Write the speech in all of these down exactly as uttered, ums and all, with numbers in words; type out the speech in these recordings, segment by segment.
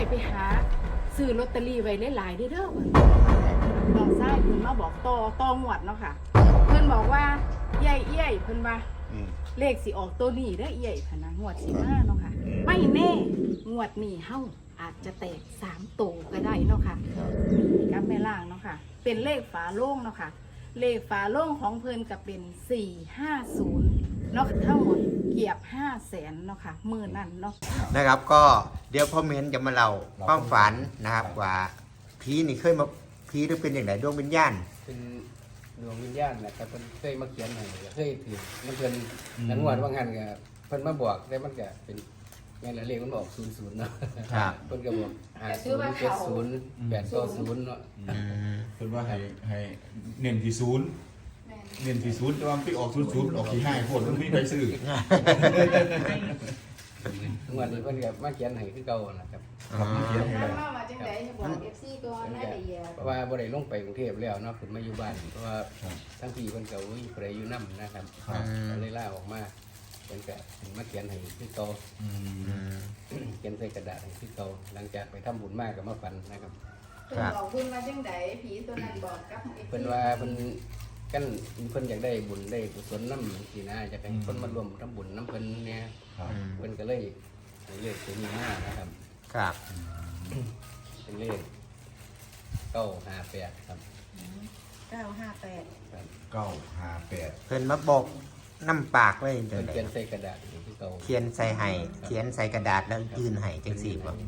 ไปหาซื้อลอตเตอรี่ไว้หลายๆเด้อเด้อน้องชายเพิ่นมาบอกต่อต่องวดเนาะค่ะเพิ่นบอกว่าเอี้ยเอี้ยเพิ่นว่าเลขสิออกตัวนี้เด้อเอี้ยพะนะงวดสิมาเนาะค่ะไม่แน่งวดนี้เฮาอาจจะแตกสามโตก็ได้เนาะค่ะกับแม่ล่างเนาะค่ะเป็นเลขฝาโล่งเนาะค่ะเลขฝาโล่งของเพิ่นก็เป็นสี่ห้าศูนย์เนาะทั้งหมดเกียบห้าแสนเนาะค่ะมือนั่นเนาะนะครับก็เดี๋ยวพ่อเมนจะมาเล่าความฝันนะครับว่าผีนี่เคยมาผีหรือเป็นอย่างไรดวงวิญญาณเป็นดวงวิญญาณนะครับเพิ่นเคยมาเขียนให้เคยถือมันเพิ่นนังวดว่างั้นก็เพิ่นมาบอกแต่มันก็เป็นแม่นละเลขมันออกศูนย์ศูนย์เนาะเพิ่นก็บอกห้าศูนย์เจ็ดศูนย์แปดเก้าศูนย์เนาะเพิ่นว่าให้ให้เน้นที่ศูนย์เน้นที่ศูนย์แต่ว่ามันไปออกศูนย์ศูนย์ออกที่ห้าโคตรมันไม่ไปซื้องวดนี้เพิ่นก็มาเขียนให้คือเก่านะครับครับมาเขียนให้มามาจังได๋จะบอก เอฟ ซี ก่อนได้ละเอียดเพราะว่าบ่ได้ลงไปกรุงเทพแล้วเนาะเพิ่นมาอยู่บ้านเพราะว่าทั้งพี่เพิ่นก็อุ้ยผู้ใดอยู่นำนะครับก็เลยลาออกมาเพิ่นก็มาเขียนให้คือเก่าเขียนใส่กระดาษให้คือเก่าหลังจากไปทำบุญมากก็มาฝันนะครับเพิ่นบอกเพิ่นว่าจังได๋ผีตัวนั้นบอกกับเพิ่นว่าเพิ่นกันเพิ่นอยากได้บุญได้กุศลนำสินะอยากให้คนมาร่วมทำบุญนำเพิ่นเนี่ยเพิ่นก็เลยเลขตัวนี้มานะครับครับเป็นเลขเก้าห้าแปดครับเก้าห้าแปดเก้าห้าแปดเพิ่นมาบอกน้ำปากเลยเดี๋ยวเขียนใส่กระดาษที่เก่าเขียนใส่ไห้เขียนใส่กระดาษแล้วยื่นไห้จังสี่บ่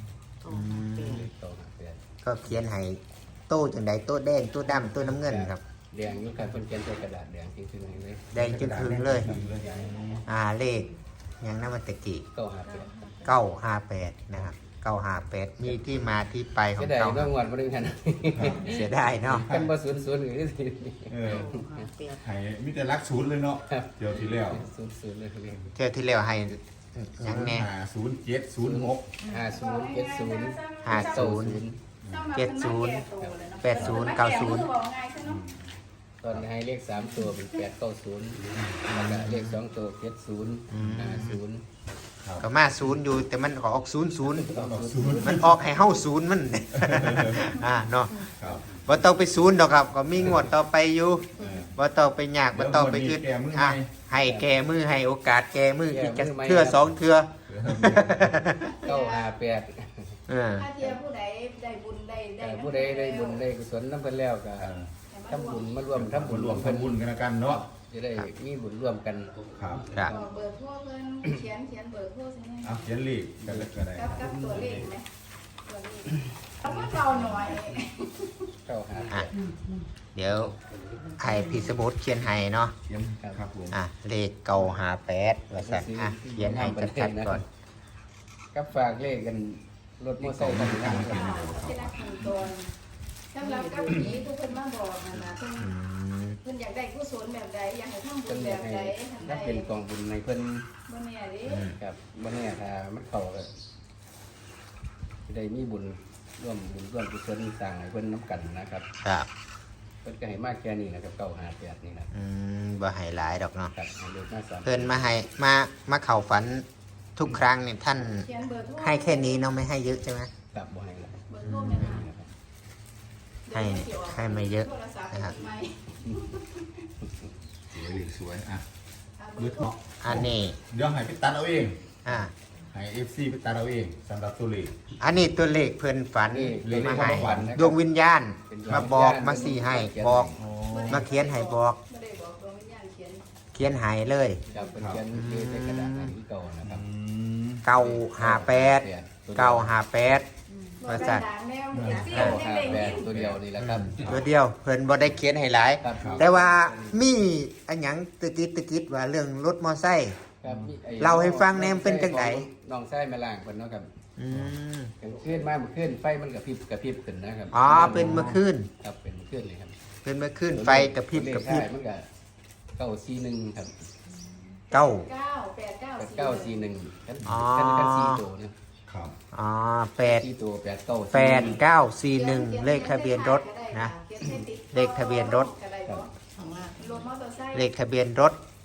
ก็เขียนไห้โต้จังใดโต้แดงโต้ดำโต้น้ำเงินครับแดงอยู่ครับเพิ่นเขียนใส่กระดาษแดงจริงๆเลยแดงจนถึงเลยอ่าเลขยังน้ำมันตะกี้เก้าห้าแปดเก้าห้าแปดนะครับเก้าห้าแปดมีที่มาที่ไปของเก้าเรื่องวันมาดึงกันเสียได้เนาะกันบ่ศูนย์ศูนย์หรือสิเออให้มีแต่รักศูนย์เลยเนาะเดี๋ยวที่แล้วศูนย์ศูนย์เลยเรื่องเที่ยวที่แล้วให้ยังแน่ห้าศูนย์เจ็ดศูนย์หกห้าศูนย์เจ็ดศูนย์ห้าศูนย์เจ็ดศูนย์แปดศูนย์เก้าศูนย์ตอนให้เลขสามตัวเป็นแปดเก้าศูนย์แล้วก็เลขสองตัวเจ็ดศูนย์ห้าศูนย์ก็มาศูนย์อยู่แต่มันออกศูนย์ศูนย์มันออกให้เฮาศูนย์มันอ่าเนาะบ่ต้องไปศูนย์ดอกครับก็มีงวดต่อไปอยู่บ่ต้องไปยากบ่ต้องไปคิดอ่ะให้แก้มือให้โอกาสแก้มืออีกจักเทื่อสองเทื่อเก้าห้าแปดเออถ้าเทียผู้ใดได้บุญได้ได้ผู้ใดได้บุญได้กุศลนำเพิ่นแล้วก็ทำบุญมารวมทำบุญรวมทำบุญกันกันเนาะจะได้มีบุญร่วมกันครับครับเบอร์โทรเพิ่นเขียนเขียนเบอร์โทรใช่ไหมเอาเขียนเลขกันเลยก็ได้กับกับตัวเลขไหมตัวเลขเอาเพิ่นเบาหน่อยเก้าห้าอ่ะเดี๋ยวให้พี่สมุทรเขียนให้เนาะเขียนครับผมอ่ะเลขเก้าห้าแปดว่าซั่นอ่ะเขียนให้ชัดๆก่อนกับฝากเลขกันรถมอเตอร์ไซค์กันนะครับที่รักขั้นตอนสำหรับกับผีทุกคนมาบอกนะนะเพิ่นเพิ่นอยากได้กุศลแบบใดอยากให้ทำบุญแบบใดถ้าเป็นกองบุญในเพิ่นบ่แน่เด้ครับบ่แน่ถ้ามันเข้าก็ได้มีบุญร่วมบุญร่วมกุศลสร้างให้เพิ่นนำกันนะครับครับเพิ่นก็ให้มากแค่นี้นะครับเก้าห้าแปดนี่นะอืมบ่ให้หลายดอกเนาะครับให้เลขมาสามเพิ่นมาให้มามาเข้าฝันทุกครั้งเนี่ยท่านให้แค่นี้เนาะไม่ให้เยอะใช่ไหมครับบ่ให้ละเบอร์โทรแม่นให้ให้ไม่เยอะนะครับสวยสวยอ่ะมือถกอันนี้เดี๋ยวให้ไปตัดเอาเองอ่าให้เอฟซีไปตัดเอาเองสำหรับตัวเลขอันนี้ตัวเลขเพิ่นฝันมาให้ดวงวิญญาณมาบอกมาสี่ให้บอกมาเขียนให้บอกเขียนให้เลยครับเป็นเขียนในกระดาษที่เก่านะครับเก้าห้าแปดเก้าห้าแปดว่าซั่นเก้าห้าแปดตัวเดียวนี่แหละครับตัวเดียวเพิ่นบ่ได้เขียนให้หลายแต่ว่ามีอันหยังตึกิดตึกิดว่าเรื่องรถมอไซค์เล่าให้ฟังแนมเป็นจังได๋น้องไส้แม่ล่างเพิ่นเนาะครับอืมขึ้นมาเมื่อคืนไฟมันกระพริบกระพริบขึ้นนะครับอ๋อเป็นเมื่อคืนครับเป็นเมื่อคืนเลยครับเป็นเมื่อคืนไฟกระพริบกระพริบมันก็เก้าสี่หนึ่งครับเก้าเก้าแปดเก้าเก้าสี่หนึ่งกันกันกันสี่ตัวนะครับอ๋อแปดสี่ตัวแปดเก้าแปดเก้าสี่หนึ่งเลขทะเบียนรถนะเลขทะเบียนรถเลขทะเบียนรถ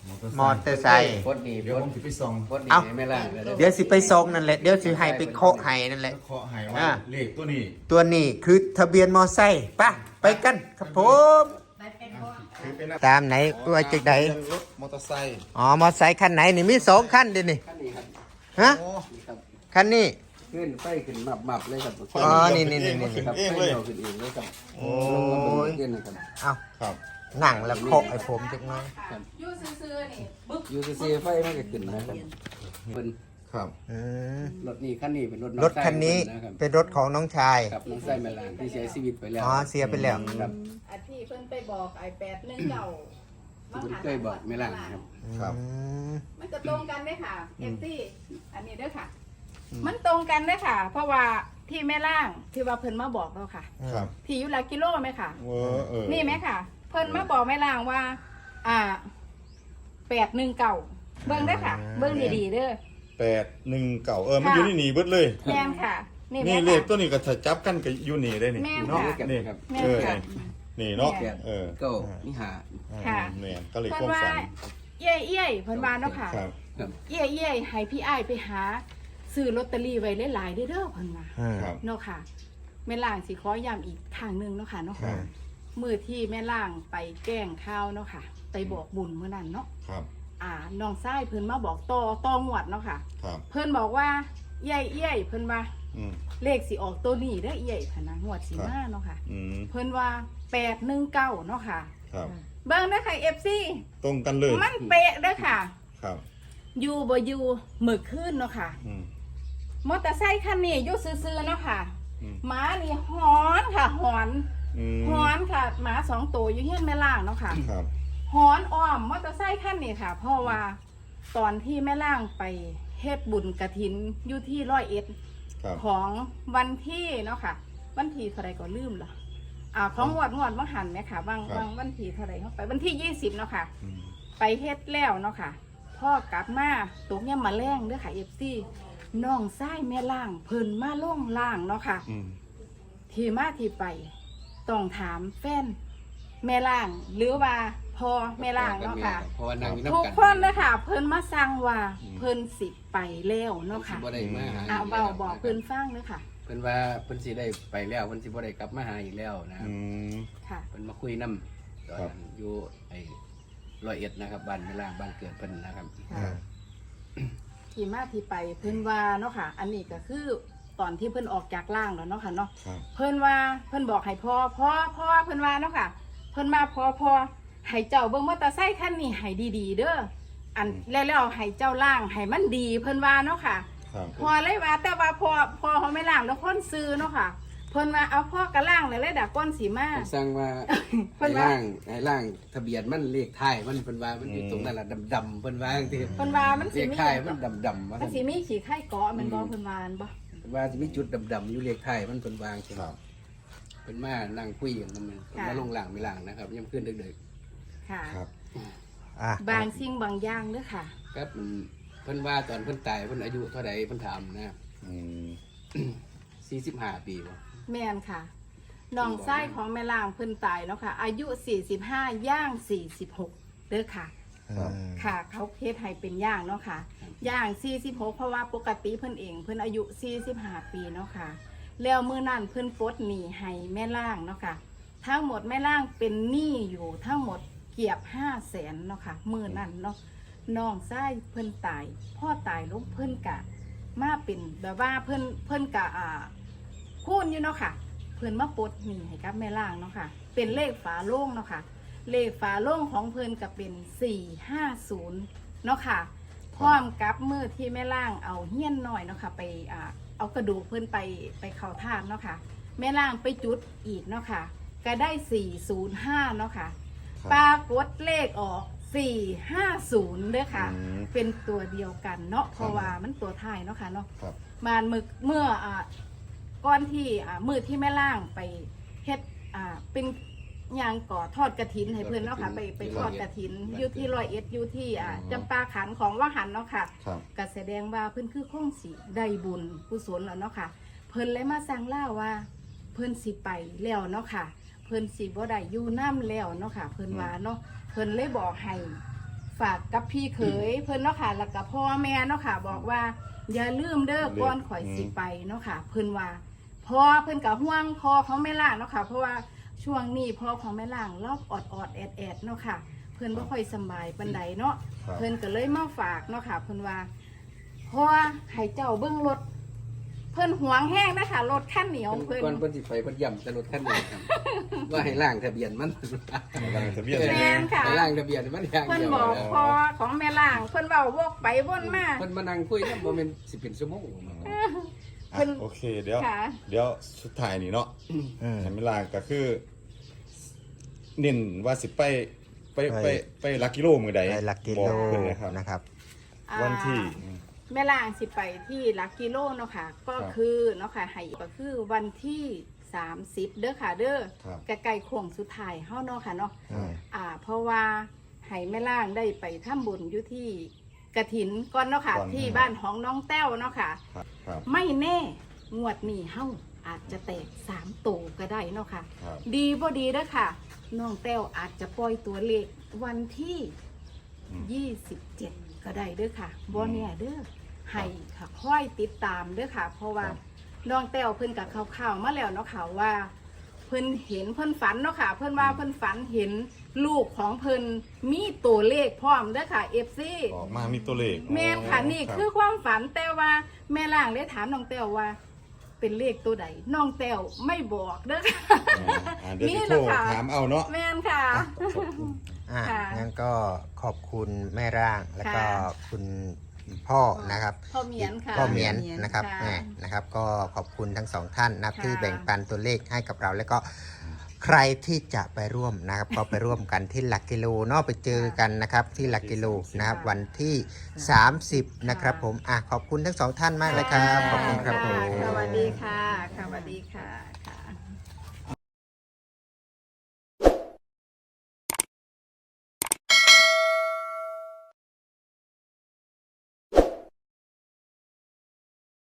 มอเตอร์ไซค์พดดีเดี๋ยวพผดมสิไปส่องพดดีเอ้าให้แม่ล่างเลยเดี๋ยวสิไปส่งนั่นแหละเดี๋ยวสิให้ไปเคาะให้นั่นแหละเคาะให้ว่าอ่าเลขตัวนี้ตัวนี้คือทะเบียนมอไซค์ไปไปกันครับผมคือเป็นตามไหนว่าจากไหนรถมอเตอร์ไซค์อ๋อมอไซค์คันไหนนี่มีสองคันเดินี่ขั้นนี้ครับฮะโอ้นี่ครับคันนี้ขึ้นไฟขึ้นหมับหมับเลยครับอ๋อนี่นี่นี่นี่ครับเองไฟเลยเดียวขึ้นเองเลยครับโอ้ยขึ้นนะครับเอาครับหนังแล้วเคาะไอ้ผมจักหน้อยอยู่ซื่อๆนี่บึ๊บยูซีซีไฟมันก็ขึ้นนะครับเป็นครับอืมรถนี้คันนี้เป็นรถองรถคันนี้ชายเพิ่นะครับเป็นรถของน้องชายครับน้องไส้แม่ล่างที่เสียชีวิตไปแล้วอ๋อเสียไปแล้วครับอันที่เพิ่นไปบอกไอ้แปดหนึ่งเก่าที่คุณเคยบอกแม่ล่างนะครับครับอืมมันจะตรงกันเด้อค่ะเอฟซีอันนี้เด้อค่ะ มันตรงกันเด้อค่ะ เพราะว่าที่แม่ล่างที่ว่าเพิ่นมาบอกเราค่ะครับที่อยู่หลักกิโลไหมค่ะเออเออนี่ไหมค่ะ เพิ่นมาบอกแม่ล่างว่า อ่าแปดหนึ่งเก่าเบิ่งได้อค่ะ เบิ่งดีๆเด้อแปดหนึ่งเก่าเออมันอยู่ในนี่เบิดเลยแม่นค่ะ นี่นี่แม่เลขค่ะตัวนี้ก็ถ้าจับกันก็อยู่นี่ได้นี่แม่นเนาะค่ะนี่ครับแม่เอน อค่ะนี่เนาะแม่นเออก็นี่หาค่ะแม่นก็เลยเพิ่คน วามว่าฝันเอี้ยเอี้ยเพิ่นว่าเนาะค่ะครับครับเอี้ยเอี้ยให้พี่อ้ายไปหาซื้อลอตเตอรี่ไว้หลายๆเด้อเด้อเพิ่นว่าอืมครับเนาะค่ะแม่ล่างสิขอย้ำอีกทางหนึงเนาะค่ะเนาะครับมือที่แม่ล่างไปแกล้งข้าวเนาะค่ะ ไปบอกบุญเมื่อนั้นเนาะครับอ่าน้องชายเพิ่นมาบอกต่อต่องวดเนาะค่ะครับเพิ่นบอกว่าเอี้ยเอี้ยเพิ่นว่าอืมเลขสิออกตัวนี้เด้อเอี้ยพะนะงวดสิมาเนาะค่ะอืมเพิ่นว่าแปดหนึ่งเก้าเนาะค่ะครับเบิ่งเด้อค่ะ เอฟ ซีตรงกันเลยมันเป๊ะเด้อค่ะครับอยู่บ่อยู่มื้อคืนเนาะค่ะอืมมอเตอร์ไซค์คันนี้อยู่ซื่อๆเนาะค่ะอืมหมานี่หอนค่ะหอนอืมหอนค่ะหมาสองตัวอยู่เฮียนแม่ล่างเนาะค่ะครับหอนอ้อมมอเตอร์ไซค์คันนี้ค่ะ เพราะว่าตอนที่แม่ล่างไปเฮ็ดบุญกฐินอยู่ที่ร้อยเอ็ดครับของวันที่เนาะค่ะ วันที่เท่าไรก็ลืมละอ่าของงวดงวดมหันเนี่ยค่ะบางบางวันที่เท่าไรเข้าไปวันที่ยี่สิบเนาะค่ะอืมไปเฮ็ดแล้วเนาะค่ะพ่อกลับมาตกเนี่ยมาแรงเด้อค่ะเอฟซีน้องไส้แม่ล่างเพิ่นมาล่องล่างเนาะค่ะอืมที่มาที่ไปต้องถามแฟนแม่ล่าง หรือว่าพอแม่ล่างเนาะค่ะเพราะว่านางอยู่ทุกน้ำกันคนเลยค่ะ เพิ่นมาสั่งว่าเพิ่นสิไปแล้วเนาะค่ะบ่ได้มาหาเอาเบาบอกเพิ่นฟังเลยค่ะเพิ่นว่าเพิ่นสิได้ไปแล้วเพิ่นสิบ่ได้กลับมาหาอีกแล้วนะอืมค่ะเพิ่นมาคุยนำตอนครับนั้นอยู่ไอ้ร้อยเอ็ดนะครับบ้านแม่ล่างบ้านเกิดเพิ่นนะครับอืมที่มาที่ไปเพิ่นว่าเนาะค่ะ อันนี้ก็คือตอนที่เพิ่นออกจากล่างแล้วเนาะค่ะเนาะครับเพิ่นว่าเพิ่นบอกให้พ่อพ่อพ่อเพิ่นว่าเนาะค่ะ เพิ่นมาพ่อพ่อให้เจ้าเบิ่งมอเตอร์ไซค์คันนี้ให้ดีๆเด้ออันแล้วแล้วให้เจ้าล่างให้มันดี เพิ่นว่าเนาะค่ะครับพอเลยว่าแต่ว่าพอพอเขาไม่ล่างแล้วคนซื้อเนาะค่ะ เพิ่นว่าเอาพ่อกระล่างเลยเลยดักก้นสีมาเพิ่นสั่งว่าเพิ่ให้นว่าล่างให้ล่างทะเบียนมันเลขท้ายมันเพิ่นว่ามันอยู่ตรงนั้นล่ะดำๆเพิ่นว่าจังซี่เพิ่นว่ามันเลสิขมีท้ายมันดำๆว่ามันสิมีขี้ไข่เกาะแมันบ่เพิ่นว่าอันบ่เพิ่นว่าสิมีจุดดำๆอยู่เลขท้ายมันเพิ่นวาจังซี่ครับเพิ่นมานั่งคุยกันนำเพิ่นมาลงล่างไม่ล่างนะครับยามคืนดึกค่ะครับอ่ะบางสิ่งบางอย่างเด้อค่ะๆครับมันเพิ่นว่าตอนเพิ่นตายเพิ่นอายุเท่าใดเพิ่นถามนะอืมสี่สิบห้าปีบ่แม่นค่ะน้องชายของแม่ล่างเพิ่นตายแล้วค่ะ อายุสี่สิบห้าย่างสี่สิบหกเด้อค่ะครับค่ะ เขาเฮ็ดให้เป็นย่างเนาะค่ะ ย่างสี่สิบหกเพราะว่าปกติเพิ่นเองเพิ่นอายุสี่สิบห้าปีเนาะค่ะ แล้วมื้อนั้นเพิ่นปลดหนี้ให้แม่ล่างเนาะค่ะ ทั้งหมดแม่ล่างเป็นหนี้อยู่ทั้งหมดเกียบห้าแสนเนาะค่ะมื้อนั้นเนาะน้องชายเพิ่นตายพ่อตายลงเพิ่นกะ มาเป็นแบบว่าเพิ่นเพิ่นกะอ่าคูณอยู่เนาะค่ะ เพิ่นมาปลดหนี้ให้กับแม่ล่างเนาะค่ะ เป็นเลขฝาโล่งเนาะค่ะ เลขฝาโล่งของเพิ่นก็เป็นสี่ห้าศูนย์เนาะค่ะ พร้อมกับมือที่แม่ล่างเอาเฮี้ยนหน่อยเนาะค่ะไปอ่าเอากระดูกเพิ่นไปไปเข้าทานเนาะค่ะ แม่ล่างไปจุดอีกเนาะค่ะ ก็ได้สี่ศูนย์ห้าเนาะค่ะครับปรากฏเลขออกสี่ห้าศูนย์เด้อค่ะอืมเป็นตัวเดียวกันเนาะเพราะว่ามันตัวท้ายเนาะค่ะเนาะครับมานมึกเมื่ออ่าก้อนที่อ่ามือที่แม่ล่างไปเฮ็ดอ่าเป็นยางก่อทอดกระถินให้เพื่อนเนาะค่ะไปไปทอดกระถินอยู่ที่ร้อยเอ็ดอยู่ที่อ่าจำปาขันของว่าหันเนาะค่ะครับก็แสดงว่าเพิ่นคือคงสิได้บุญกุศลแล้วเนาะค่ะ เพิ่นเลยมาสั่งเล่าว่า เพิ่นสิไปแล้วเนาะค่ะ เพิ่นสิบ่ได้อยู่น้ำแล้วเนาะค่ะ เพิ่นว่าเนาะเพิ่นเลยบอกให้ฝากกับพี่เขยเพิ่นเนาะค่ะแล้วก็พ่อแม่เนาะค่ะบอกว่าอย่าลืมเด้อก่อนข่อยสิไปเนาะค่ะเพิ่นว่าพ่อเพิ่นก็ห่วงพ่อของแม่ล่างเนาะค่ะเพราะว่าช่วงนี้พ่อของแม่ล่างรอบออดออดแอดแอดเนาะค่ะเพิ่นบ่ค่อยสำบายปานใดเนาะเพิ่นก็เลยมาฝากเนาะค่ะเพิ่นว่าพ่อให้เจ้าเบิ่งรถเพิ่นหวงแห้งนะคะรถคันเหนียวเพิ่นก่อนเพิ่นสิไปเพิ่นย่ำแต่รถคันนี้ครับว่าให้ล่างทะเบียนมันทะเบียนแม่นค่ะให้ล่างทะเบียนมันอย่างเพิ่นเดียวบอกพ่อของแม่ล่างเพิ่นเว้าวกไปวนมาเพิ่นมานั่งคุยนำบ่แม่นสิเป็นชั่วโมงอ่ะโอเคเดี๋ยวค่ะเดี๋ยวสุดท้ายนี่เนาะอืมเห็นเวลาก็คือเน้นว่าสิไปไปไปไปลักกิโลมือใดได้หลักกิโลบอกเพิ่นเลยครับนะครับวันที่อ่าแม่ล่างสิไปที่หลักกิโลเนาะค่ะ ก็ครับคือเนาะค่ะให้ก็คือวันที่สามสิบเด้อค่ะเด้อครับใกล้ๆโค้งสุดท้ายเฮาเนาะค่ะเนาะอืมอ่า เพราะว่าให้แม่ล่างได้ไปทำบุญอยู่ที่กระถินก่อนเนาะค่ะก่อนที่บ้านของน้องแต้วเนาะค่ะครับครับไม่แน่งวดนี้เฮาอาจจะแตกสามตัวก็ได้เนาะค่ะครับดีบ่ดีเด้อค่ะ น้องแต้วอาจจะปล่อยตัวเลขวันที่อืมยี่สิบเจ็ดก็ได้เด้อค่ะบ่เนี่ยเด้อให้ค่ะค่อยติดตามเด้อค่ะ เพราะว่าครับน้องแต้วเพิ่นกับข่าวๆมาแล้วเนาะค่ะว่า เพิ่นเห็นเพิ่นฝันเนาะค่ะ เพิ่นว่าเพิ่นฝันเห็นลูกของเพิ่นมีตัวเลขพร้อมเด้อค่ะ เอฟ ซีออกมามีตัวเลขแม่นค่ะนี่รับคือความฝันแต่ว่าแม่ล่างได้ถามน้องแต้วว่า เป็นเลขตัวใดน้องแต้วไม่บอกเด้อค่ะอ่าอ่าเดี๋ยวนี่สิแหโทรละค่ะถามเอาเนาะแม่นค่ะอ่ะค่ะงั้นก็ขอบคุณแม่ร่างแล้วก็ค่ะคุณพ่อนะครับพ่อเหมียนค่ะพ่อเหมียนนะครับค่ะแม่นะครับ ก็ขอบคุณทั้งสองท่านนะครับค่ะที่แบ่งปันตัวเลขให้กับเรา แล้วก็ใครที่จะไปร่วมนะครับ ก็ไปร่วมกันที่หลักกิโลเนาะไปเจอกันนะครับ ที่หลักกิโลนะครับ วันที่ สามสิบ นะครับผมอ่ะขอบคุณทั้งสองท่านมากเลยครับ ขอบคุณครับผมสวัสดีค่ะค่ะสวัสดีค่ะ